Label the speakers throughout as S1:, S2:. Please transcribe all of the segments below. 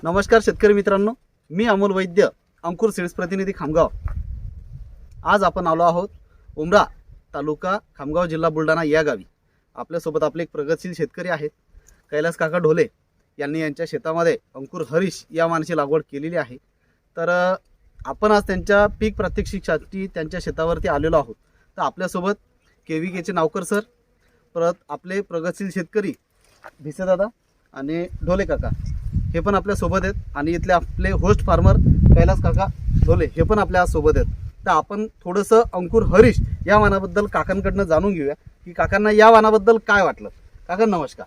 S1: नमस्कार शेतकरी मित्रांनो, मी अमोल वैद्य, अंकुर सीड्स प्रतिनिधी खामगाव। आज आपण आलो आहोत उमरा तालुका खामगाव जिल्हा बुलढाणा या गावी। आपल्यासोबत आपले एक प्रगतशील शेतकरी आहेत, कैलास काका ढोले यांनी यांच्या शेतामध्ये अंकुर हरीश या वाणाची लागवड केलेली आहे। तर आपण आज त्यांच्या पीक प्रात्यक्षिकासाठी त्यांच्या शेतावरती आलेलो आहोत। तर आपल्यासोबत केवीकेचे नावकर सर, परत आपले प्रगतशील शेतकरी भिसे दादा आणि ढोले काका हे पण आपल्या सोबत आहेत, आणि इथले आपले होस्ट फार्मर कैलास काका ढोले हे पण आपल्या सोबत आहेत। तर आपण थोडंसं अंकुर हरीश या वाणाबद्दल काकांकडनं जाणून घेऊया की काकांना या वाणाबद्दल काय वाटलं। काका नमस्कार,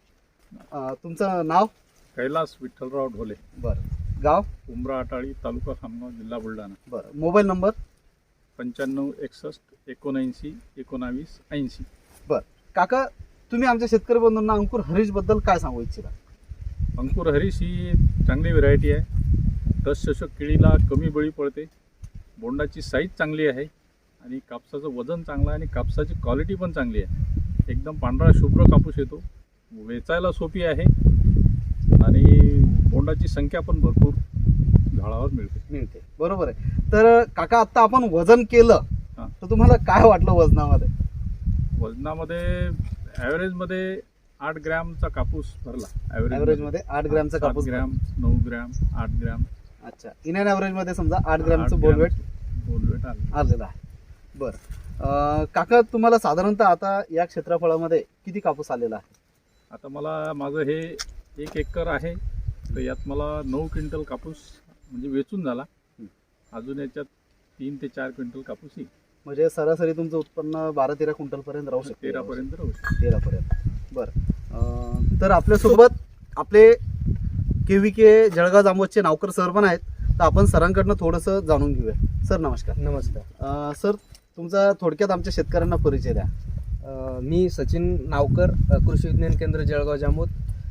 S1: तुमचं नाव?
S2: कैलास विठ्ठलराव ढोले,
S1: बरं, गाव?
S2: उमरा अटाळी, तालुका खामगाव, जिल्हा बुलढाणा।
S1: बरं, मोबाईल नंबर?
S2: 95 61 79 19 80।
S1: बरं काका, तुम्ही आमच्या शेतकरी बंधूंना अंकुर हरीश बद्दल काय सांगू इच्छिता?
S2: अंकुर हरीश ही चांगली व्हरायटी आहे। 10 शतक केळीला कमी बळी पडते, बोंडाची साईज चांगली आहे आणि कापसाचं वजन चांगलं आहे आणि कापसाची क्वालिटी पण चांगली आहे। एकदम पांढरा शुभ्र कापूस येतो, वेचायला सोपी आहे आणि बोंडाची संख्या पण भरपूर झाडावर मिळते।
S1: बरोबर आहे। तर काका, आता आपण वजन केलं तर तुम्हाला काय वाटलं वजनामध्ये?
S2: वजनामध्ये ॲव्हरेजमध्ये 8 ग्रॅमचा कापूस भरला।
S1: ॲव्हरेज मध्ये 8 ग्रॅमचा कापूस,
S2: 7 ग्रॅम, 9 ग्रॅम, 8 ग्रॅम।
S1: अच्छा, इन अँड ॲव्हरेज मध्ये समजा 8 ग्रॅमचं बोलवेट आलेलं आहे। बरं काका, तुम्हाला साधारणतः आता या क्षेत्रफळामध्ये किती कापूस आलेला आहे?
S2: आता मला माझं हे 1 एकर आहे, तर यात मला 9 क्विंटल कापूस म्हणजे वेचून झाला। अजून याच्यात 3 ते 4 क्विंटल कापूस येईल,
S1: म्हणजे सरासरी तुमचं उत्पन्न 12-13 क्विंटल पर्यंत राहू शकते।
S2: 13 पर्यंत राहू शकते।
S1: 13 पर्यंत। बरं, तर आपल्यासोबत आपले केवीके जळगाव जामोदचे नावकर सर पण आहेत। तर आपण सरांकडनं थोडंसं जाणून घेऊया। सर नमस्कार।
S3: नमस्कार
S1: सर, तुमचा थोडक्यात आमच्या शेतकऱ्यांना परिचय द्या।
S3: मी सचिन नावकर, कृषी विज्ञान केंद्र जळगाव जामोद,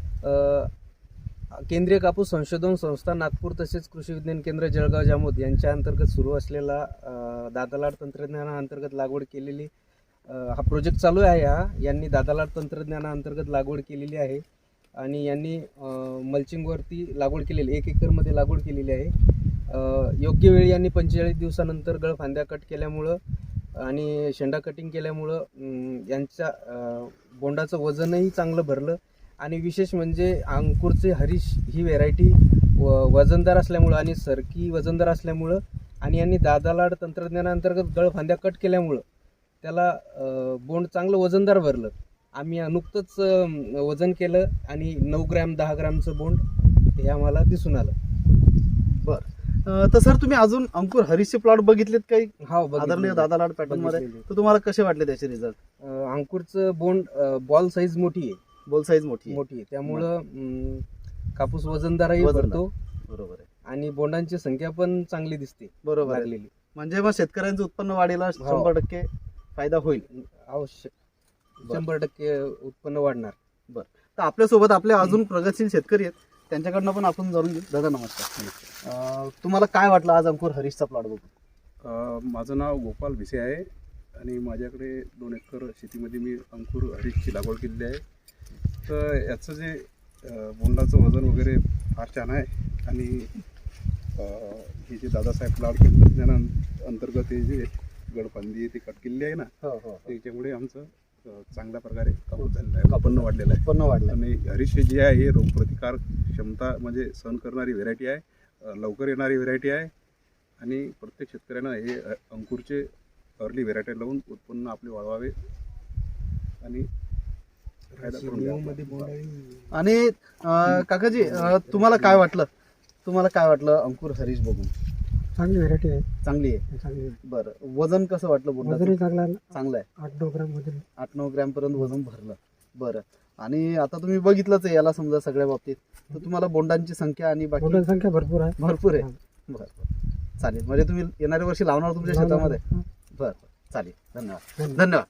S3: केंद्रीय कापूस संशोधन संस्था नागपूर तसेच कृषी विज्ञान केंद्र जळगाव जामोद यांच्या अंतर्गत सुरू असलेला दादालाड तंत्रज्ञानाअंतर्गत लागवड केलेली हा प्रोजेक्ट चालू आहे। यांनी दादालाड तंत्रज्ञानाअंतर्गत लागवड केलेली आहे आणि यांनी मल्चिंगवरती लागवड केलेली 1 एकरमध्ये लागवड केलेली आहे। योग्य वेळी यांनी 45 दिवसानंतर गळफांद्या कट केल्यामुळं आणि शेंडा कटिंग केल्यामुळं यांच्या बोंडाचं वजनही चांगलं भरलं, आणि विशेष म्हणजे अंकुरचे हरीश ही व्हेरायटी वजनदार असल्यामुळं आणि सरकी वजनदार असल्यामुळं आणि यांनी दादालाड तंत्रज्ञानाअंतर्गत गळफांद्या कट केल्यामुळं त्याला बोंड चांगलं वजनदार भरलं। आम्ही नुकतंच वजन केलं आणि 9 ग्रॅम 10 ग्रॅमचं बोंड हे आम्हाला दिसून आलं।
S1: बरं, तर सर तुम्ही अजून अंकुर हरीशचे प्लॉट बघितलेत काही?
S3: हा,
S1: आदरणीय दादालाड पॅटर्न मध्ये, तर तुम्हाला कसे वाटले त्याचे रिझल्ट?
S3: अंकुरचं बोंड बॉल साईज मोठी आहे,
S1: बोल साईज मोठी
S3: आहे, त्यामुळं कापूस वजनदारही भरतो।
S1: बरोबर आहे,
S3: आणि बोंडांची संख्या पण चांगली दिसते
S1: बरोबर
S3: लागलेली।
S1: म्हणजे मग शेतकऱ्यांचं उत्पन्न वाढीला 100% फायदा होईल।
S3: आवश्यक 100% उत्पन्न वाढणार।
S1: बरं, तर आपल्यासोबत आपले अजून प्रगतशील शेतकरी आहेत, त्यांच्याकडनं पण आपण जाणून घेऊ। दादा नमस्कार। तुम्हाला काय वाटलं आज अंकुर हरीशचा प्लॉट बघून?
S4: माझं नाव गोपाल भिसे आहे आणि माझ्याकडे 2 एकर शेतीमध्ये मी अंकुर हरीशची लागवड केलेली आहे। तर याचं जे बोंडाचं वजन वगैरे फार छान आहे, आणि हे जे दादासाहेब लाड तंत्रज्ञानाअंतर्गत हे जे गडफांदी ते कट केलेली आहे ना, त्याच्यामुळे आमचं चांगल्या प्रकारे कापूस झालेलं आहे, उत्पन्न वाढलेलं आहे।
S1: उत्पन्न वाढलं
S4: आणि हरीश जे आहे हे रोगप्रतिकार क्षमता म्हणजे सहन करणारी व्हेरायटी आहे, लवकर येणारी व्हेरायटी आहे, आणि प्रत्येक शेतकऱ्यानं हे अंकुरचे अर्ली व्हेरायटी लावून उत्पन्न आपले वाढवावे आणि फायदा करून घ्यावा।
S1: आणि काकाजी, तुम्हाला काय वाटलं अंकुर हरीश बघून?
S5: चांगली व्हरायटी आहे,
S1: चांगली आहे। बरं, वजन कसं वाटलं बोंडाचं?
S5: वजनही
S1: चांगलं आहे,
S5: 8-9 ग्रॅम वजन,
S1: 8-9 ग्रॅम पर्यंत वजन भरलं। बरं, आणि आता तुम्ही बघितलंच आहे याला समजा सगळ्या बाबतीत, तर तुम्हाला बोंडांची संख्या आणि बाकी
S5: बोंडांची संख्या भरपूर आहे।
S1: बरं, चालेल। म्हणजे तुम्ही येणाऱ्या वर्षी लावणार तुमच्या शेतामध्ये? बरं, चालेल, धन्यवाद।